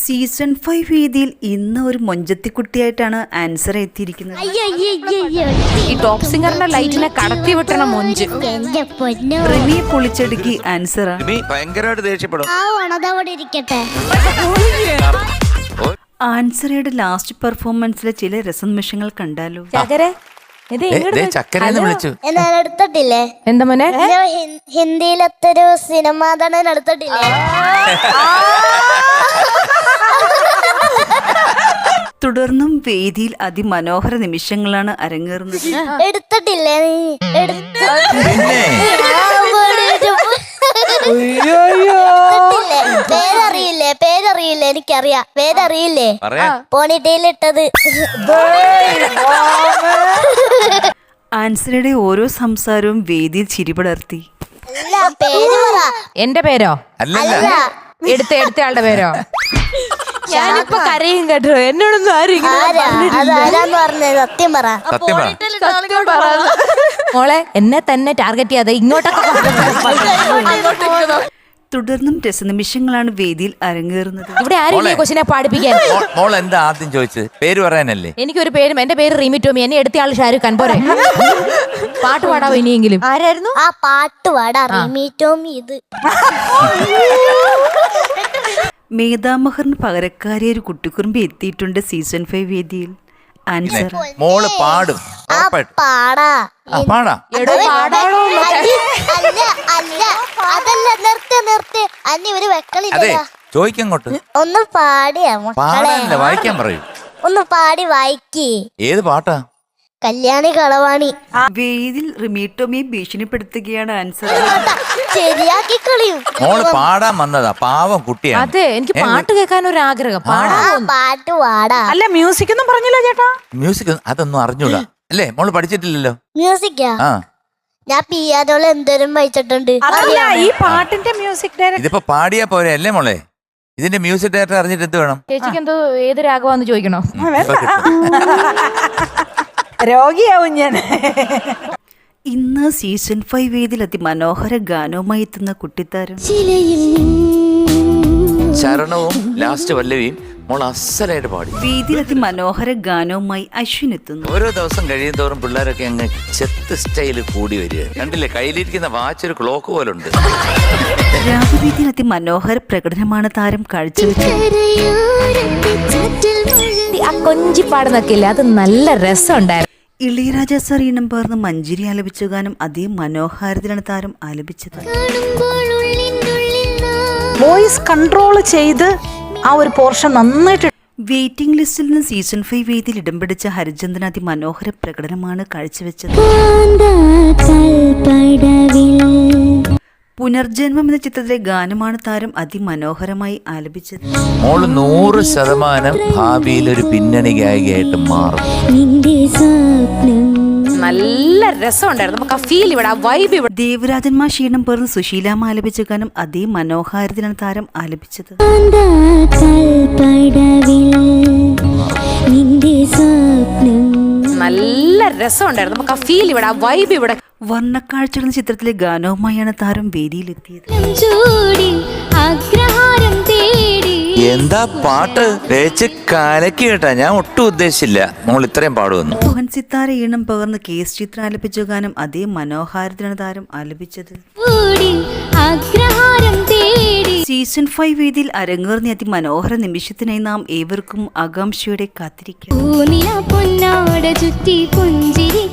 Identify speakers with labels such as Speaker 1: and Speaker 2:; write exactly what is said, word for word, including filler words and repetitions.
Speaker 1: Season five വേദിയിൽ ഇന്ന് ഒരു മൊഞ്ചത്തിക്കുട്ടിയായിട്ടാണ് ആൻസർ എത്തിയിരിക്കുന്നത്.
Speaker 2: ഈ ടോപ്പ് സിംഗറിന്റെ ലൈറ്റിനെ കടത്തി വിട്ടണ മൊഞ്ച്
Speaker 1: റിമിയെ പൊളിച്ചടുക്കി ആൻസർ
Speaker 3: ഭയങ്കരമായിട്ട് ദേഷ്യപ്പെടും.
Speaker 1: ആൻസറയുടെ ലാസ്റ്റ് പെർഫോമൻസിലെ ചില രസനിമിഷങ്ങൾ കണ്ടാലോ.
Speaker 3: ചക്കരന്ന് വിളിച്ചു
Speaker 4: എടുത്തിട്ടില്ലേ
Speaker 2: എന്താ മോനെ
Speaker 4: ഹിന്ദിയിലത്തെ ഒരു സിനിമ നടൻ എടുത്തിട്ടില്ലേ?
Speaker 1: തുടർന്നും വേദിയിൽ അതിമനോഹര നിമിഷങ്ങളാണ് അരങ്ങേറുന്നത്.
Speaker 4: എടുത്തിട്ടില്ലേ നീ? പേരറിയില്ലേ? പേരറിയില്ലേ? എനിക്കറിയാം. പേരറിയില്ലേ? പോണിറ്റയിലിട്ടത്.
Speaker 1: ആൻസറയുടെ ഓരോ സംസാരവും വേദിയിൽ ചിരിപടർത്തി.
Speaker 4: അല്ല, പേര് പറ.
Speaker 2: എന്റെ പേരോ?
Speaker 3: അല്ലല്ല,
Speaker 2: എടുത്ത എടുത്തയാളുടെ പേരോ? ഞാനിപ്പോ കരയും കേട്ടോ. എന്നോടൊന്നും ആരും
Speaker 4: അതാരാന്ന് പറഞ്ഞത്? സത്യം പറ.
Speaker 3: സത്യം പറ.
Speaker 2: മോളെ എന്നെ തന്നെ ടാർഗറ്റ് ചെയ്യാതെ ഇങ്ങോട്ടൊക്കെ.
Speaker 1: തുടർന്നും രസനിമിഷങ്ങളാണ് വേദിയിൽ അരങ്ങേറുന്നത്.
Speaker 2: ഇവിടെ ആരും കൊച്ചിനെ പാടിപ്പിക്കാൻ.
Speaker 3: മോൾ എന്താ ആദ്യം ചോദിച്ചത്? പേര് പറയാനല്ലേ?
Speaker 2: എനിക്കൊരു പേരും. എന്റെ പേര് റീമി ടോമി. എന്നെ എടുത്തയാൾ ഷാരൂഖ് ഖാൻ. പോരെ പാട്ട് പാടാവോ ഇനിയെങ്കിലും?
Speaker 4: ആരായിരുന്നു ആ പാട്ട് പാടാ? റീമി ടോമി. ഇത്
Speaker 1: മേധാമഹറിന് പകരക്കാരി ഒരു കുട്ടിക്കുറുമ്പി എത്തിയിട്ടുണ്ട് സീസൺ ഫൈവ് വേദിയിൽ. ആൻസർ
Speaker 3: മോള് പാടും.
Speaker 4: പാടാ
Speaker 3: പാടാ
Speaker 4: അല്ല അല്ല അതല്ല. നിർത്തി നിർത്തി. അന്നി ഒരു വെക്കളില്ല.
Speaker 3: ചോദിക്കങ്ങോട്ട്.
Speaker 4: ഒന്ന് പാടിയാ
Speaker 3: പാടാനല്ല, വായിക്കാൻ പറയൂ.
Speaker 4: ഒന്ന് പാടി വായിക്കേ.
Speaker 3: ഏത് പാട്ടാ?
Speaker 4: കല്യാണി കളവാണി.
Speaker 1: വേദിയിൽ റിമീട്ടോമിയെ ഭീഷണിപ്പെടുത്തുകയാണ് ആൻസർ.
Speaker 4: ശരിയാക്കി കളിയും.
Speaker 3: മോള് പാടാൻ വന്നതാ, പാവം കുട്ടിയാണ്.
Speaker 2: അതെ, എനിക്ക് പാട്ട് കേൾക്കാൻ ഒരു ആഗ്രഹം.
Speaker 4: പാട്ട് പാടാ.
Speaker 2: അല്ല, മ്യൂസിക് ഒന്നും പറഞ്ഞില്ല ചേട്ടാ.
Speaker 3: മ്യൂസിക് അതൊന്നും അറിഞ്ഞൂടാ അല്ലേ? മോള് പഠിച്ചിട്ടില്ലല്ലോ
Speaker 4: മ്യൂസിക്കാ?
Speaker 3: ആ,
Speaker 4: ഞാൻ പിയാനോള് എന്തോരം വായിച്ചിട്ടുണ്ട്.
Speaker 2: ഈ പാട്ടിന്റെ മ്യൂസിക്
Speaker 3: ഇതിപ്പോ പാടിയാ പോരെ അല്ലേ മോളെ? ഇതിന്റെ മ്യൂസിക് ഡയറക്ടർ അറിഞ്ഞിട്ട് എന്ത് വേണം?
Speaker 2: ചേച്ചിക്ക് എന്തോ ഏത് രാഗമാന്ന് ചോദിക്കണോ?
Speaker 5: രോഗിയാവും ഞാൻ.
Speaker 1: ഇന്ന് സീസൺ ഫൈവ് വേദിയിൽ അതിമനോഹര ഗാനവുമായി എത്തുന്ന കുട്ടിത്താരം
Speaker 3: ചരണവും ലാസ്റ്റ് വല്ലവിയും മോൾ അസലായിട്ട് പാടി.
Speaker 1: വേദിയിൽ അതിമനോഹര ഗാനവുമായി അശ്വിൻ എത്തുന്നു.
Speaker 3: ഓരോ ദിവസം കഴിയും തോറും പിള്ളേരൊക്കെ അങ്ങ് ചെത്ത് സ്റ്റൈല് കൂടി വരിക. കണ്ടില്ലേ, കയ്യിലിരിക്കുന്ന വാച്ച് ഒരു ക്ലോക്ക് പോലുണ്ട്.
Speaker 1: രാഗവേദിയിൽ അതിമനോഹര പ്രകടനമാണ് താരം കാഴ്ചവെച്ചത്.
Speaker 2: ആ കൊഞ്ചി പാടുന്നൊക്കെ ഇല്ലേ, അത് നല്ല രസമുണ്ടായിരുന്നു.
Speaker 1: ഇളയരാജ സാർ ഈണം പകർന്ന് മഞ്ജരി ആലപിച്ച ഗാനം അതേ മനോഹാരത്തിലാണ് താരം ആലപിച്ചത്.
Speaker 5: വോയിസ് കൺട്രോൾ ചെയ്ത് ആ ഒരു പോർഷൻ നന്നായിട്ട്.
Speaker 1: വെയിറ്റിംഗ് ലിസ്റ്റിൽ നിന്ന് സീസൺ ഫൈവ് വേദിയിൽ ഇടം പിടിച്ച ഹരിചന്ദൻ അതിമനോഹര പ്രകടനമാണ് കാഴ്ചവെച്ചത്. പുനർജന്മം എന്ന ചിത്രത്തിലെ ഗാനമാണ് താരം അതിമനോഹരമായി ആലപിച്ചത്.
Speaker 3: മോള് നൂറ് ശതമാനം ഭാവിയിൽ ഒരു പിന്നണി ഗായികയായിട്ട് മാറും.
Speaker 2: നല്ല രസമുണ്ടായിരുന്നു. നമുക്ക് ആ ഫീൽ ഇവിടെ, ആ വൈബ് ഇവിടെ.
Speaker 1: ദേവരാജന്മാർ ക്ഷീണം പേർന്ന് സുശീലാമ്മ ആലപിച്ച ഗാനം അതേ മനോഹാരത്തിലാണ് താരം ആലപിച്ചത്.
Speaker 2: നല്ല രസമുണ്ടായിരുന്നു. നമുക്ക് ആ ഫീൽ ഇവിടെ, ആ വൈബ് ഇവിടെ.
Speaker 1: വർണ്ണക്കാഴ്ച എന്ന ചിത്രത്തിലെ ഗാനവുമായാണ് താരം വേദിയിലെത്തിയത്.
Speaker 3: എന്താ പാട്ട് തേച്ച് കാലക്ക് കേട്ടാ. ഞാൻ ഒട്ടും ഉദ്ദേശിച്ചില്ല മോൾ ഇത്രയും പാടുവന്നു.
Speaker 1: മോഹൻ സിത്താര ഈണം പകർന്ന് കെ എസ് ചിത്ര ആലപിച്ച ഗാനം അതേ മനോഹാരത്തിലാണ് താരം ആലപിച്ചത്. സീസൺ ഫൈവ് വേദിയിൽ അരങ്ങേറുന്ന അതിമനോഹര നിമിഷത്തിനായി നാം ഏവർക്കും ആകാംക്ഷയോടെ കാത്തിരിക്കാം.